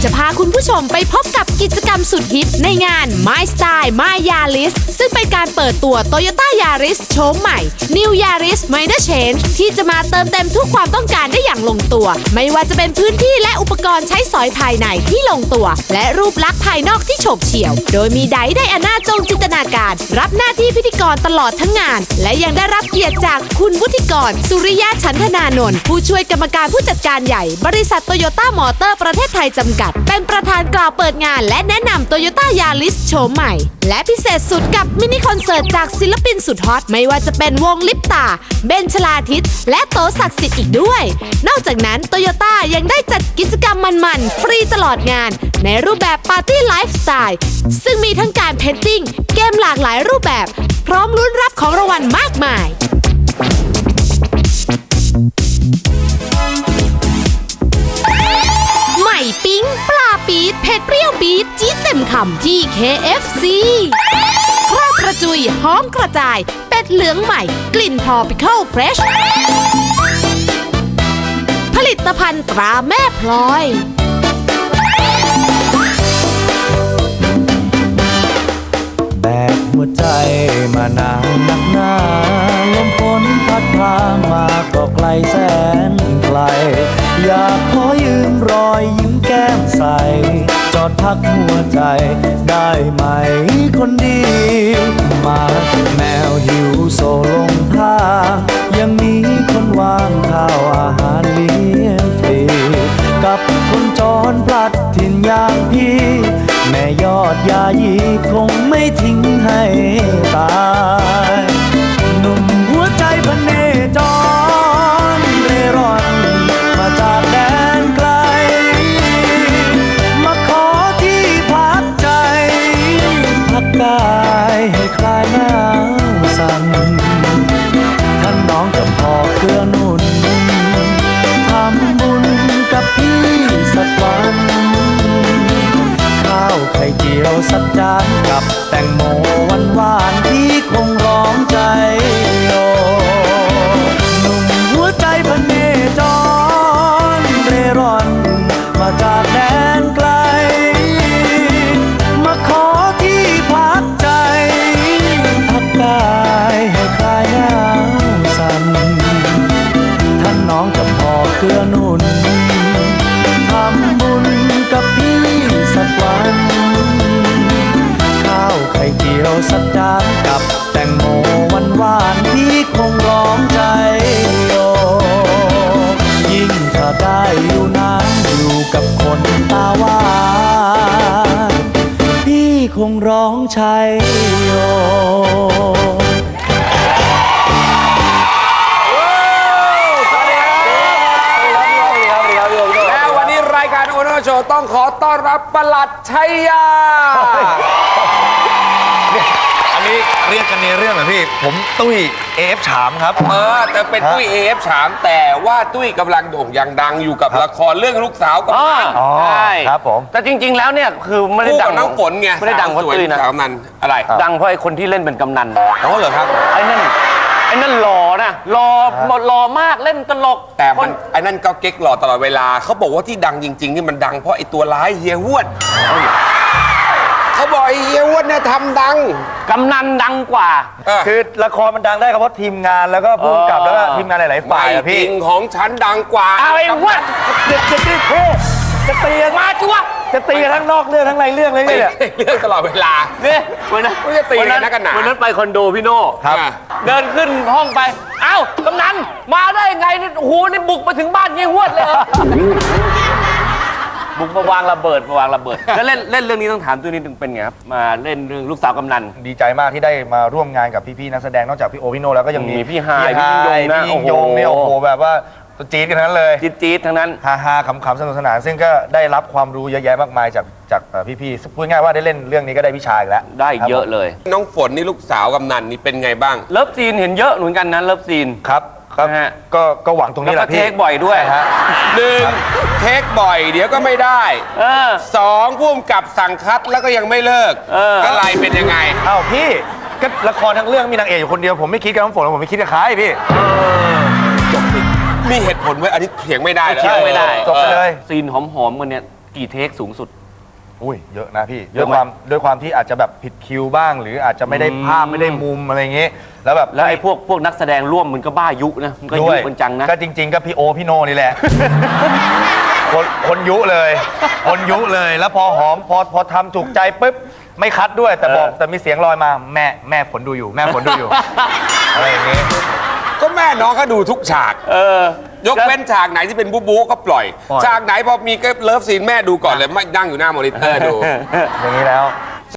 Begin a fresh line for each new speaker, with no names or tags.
จะพาคุณผู้ชมไปพบกับกิจกรรมสุดฮิตในงาน My Style My Yaris ซึ่งเป็นการเปิดตัว Toyota Yaris โฉมใหม่ New Yaris Minor Change ที่จะมาเติมเต็มทุกความต้องการได้อย่างลงตัว ไม่ว่าจะเป็นพื้นที่และอุปกรณ์ใช้สอยภายในที่ลงตัว และรูปลักษณ์ภายนอกที่โฉบเฉี่ยว โดยมีไดอาน่าจงจินตนาการรับหน้าที่พิธีกรตลอดทั้งงาน และยังได้รับเกียรติจากคุณวุฒิกร สุริยะฉันทนานนท์ผู้ช่วยกรรมการผู้จัดการใหญ่บริษัทโตโยต้ามอเตอร์ประเทศไทยจำกัดเป็นประธานกล่าวเปิดงานและแนะนำโตโยต้ายาริสโฉมใหม่และพิเศษสุดกับมินิคอนเสิร์ตจากศิลปินสุดฮอตไม่ว่าจะเป็นวงลิปตาเบนชลาทิศและโตศักดิ์สิทธิ์อีกด้วยนอกจากนั้นโตโยต้ายังได้จัดกิจกรรมมันๆฟรีตลอดงานในรูปแบบปาร์ตี้ไลฟ์สไตล์ซึ่งมีทั้งการเพนติ้งเกมหลากหลายรูปแบบพร้อมลุ้นรับของรางวัลมากมายใหม่ปิ๊งปลาปี๊ดเผ็ดเปรี้ยวปี๊ดจี๊ดเต็มคำที่ KFC ครอบกระจุยหอมกระจายเป็ดเหลืองใหม่กลิ่น Tropical Fresh ผลิตภัณฑ์ตราแม่พลอย
แบกหัวใจมานานนักหนาลมฝนพัดพามาก็ไกลแสนไกลอยากขอยืมรอยยิ้มแก้มใสจอดพักหัวใจได้ไหมคนดีมาแมวหิวโซลงทางยังมีคนวางข้าวอาหารเลี้ยงฟรีกับคนจรพลัดถิ่นอย่างพี่แม่ยอดยายีคงไม่ทิ้งให้ตายหนุ่มหัวใจพเนจรเร่ร่อนมาจากแดนไกลมาขอที่พักใจพักกายให้คลายหนาวสั่นท่านน้องกับพ่อเกื้อหนุนทำบุญกับพี่สักวันข้าวไข่เจียวสักจานกับแตงโมหวานๆที่คงร้องใจโยหนุ่มหัวใจพเนจรเร่ร่อนมาจากแดนไกลมาขอที่พักใจพักกายให้คลายหนาวสั่นท่านน้องกับพ่อเกื้อหนุนทำบุญกับพี่สักวันข้าวไข่เจียวสักจานกับแตงโมหวานๆที่คงร้องใจโยยิ่งถ้าได้อยู่นานอยู่กับคนตาหวานพี่คงร้องชัยโย
โชว์ต้องขอต้อนรับปลัดชัยยา
อันนี้เรียกกันในเรื่องเหรอพี่ผมตุ้ยเอฟฉามครับ
แต่เป็นตุ้ยเอฟฉามแต่ว่าตุ้ยกำลังโด่งยังดังอยู่กับละครเรื่องลูกสาวกำนัน
ใช่
ครับผม
แต่จริงๆแล้วเนี่ยคือไม่ได้ดัง
น้องฝนไง
ไม่ได้ดังเพราะตุ้ยนะ
กำนันอะไร
ดังเพราะไอ้คนที่เล่นเป็นกำนัน
อ๋อเหรอครับ
ไอ้นั่นหล่อนะหล่อมากเล่นตลก
แต่มันไอ้นั่นก็เก๊กหล่อตลอดเวลาเขาบอกว่าที่ดังจริงๆนี่มันดังเพราะไอ้ตัวร้ายเฮียฮวดเขาบอกไอ้เฮียฮวดเนี่ยทำดัง
กำนันดังกว่า
คือละครมันดังได้ครับเพราะทีมงานแล้วก็ผู้กำกับแล้วก็ทีมงานหลายๆฝ่ายอะพี่
จริงของฉันดังกว่า
ไอ้ฮวด
จะตีกัน
มาจ้ว
จะตีกันทั้งนอกเรื่องทั้งในเรื่องเลยเนี่ย
เรื่องตลอดเวลา
เนี่ยวันนั้น
จะตีกันนักกันหนา
วันนั้นไปคอนโดพี่โน่
ครับ
เดินขึ้นห้องไปเอ้ากำนันมาได้ไงนี่โอ้โหนี่บุกมาถึงบ้านเงี้ยฮวดเลยบุกมาวางระเบิดแล้วเล่นเรื่องนี้ต้องถามตัวนี้ถึงเป็นไงครับมาเล่นเรื่องลูกสาวกำนัน
ดีใจมากที่ได้มาร่วมงานกับพี่ๆนักแสดงนอกจากพี่โอพี่โน่แล้วก็ยังมี
พี่ฮายพี่
ยิ่งยงเนี่ยโอ้โหแบบว่าจี๊ดกันทั้งนั้นเลย
จี๊ดทั้งนั้น
ฮาขำๆสนุกสนานซึ่งก็ได้รับความรู้เยอะแยะมากมายจากพี่ๆพูดง่ายว่าได้เล่นเรื่องนี้ก็ได้วิชาอีกแล้ว
ได้เยอะเลย
น้องฝนนี่ลูกสาวกำนันนี่เป็นไงบ้าง
เลิฟซีนเห็นเยอะเหมือนกันนะเลิฟซีน
ครับก็หวังตรงนี้แหละพี่
เทคบ่อยด้วย
หนึ่งเทคบ่อยเดี๋ยวก็ไม่ได้สองพุ่มกับสั่งคัดแล้วก็ยังไม่เลิกอะไรเป็นยังไง
อ้าวพี่ก็ละครทั้งเรื่องมีนางเอกอยู่คนเดียวผมไม่คิดกับน้ำฝนผมไม่คิดกับใครพี่
จบมีเหตุผลไว้อันนี้เถียงไม่ได้
เถียงไม่ได้
จบไปเลย
ซีนหอมๆกันเนี่ยกี่เทคสูงสุด
อุ้ยเยอะนะพี่ด้วยความที่อาจจะแบบผิดคิวบ้าง หรืออาจจะไม่ได้ภาพไม่ได้มุมอะไรอย่างงี้ แล้วแบบ
แล้วไอ้พวกนักแสดงร่วมมันก็บ้ายุนะมันก็ยุกันจังนะ
ก็จริง ๆ ก็พี่โอพี่โนนี่แหละ คนยุเลยคนยุเลยแล้วพอหอมพอทำถูกใจปุ๊บไม่คัดด้วยแต่มีเสียงลอยมาแม่ฝนดูอยู่แม่ฝนดูอยู่ อะไรอย่างงี้
ก็แม่น้องเขาดูทุกฉาก ยกเว้นฉากไหนที่เป็นบู๊บู๊ก็ปล่อย ฉากไหนพอมีเลิฟซีนแม่ดูก่อนเลยไม่นั่งอยู่หน้ามอนิเตอร์ดู
อย่างนี้แล้ว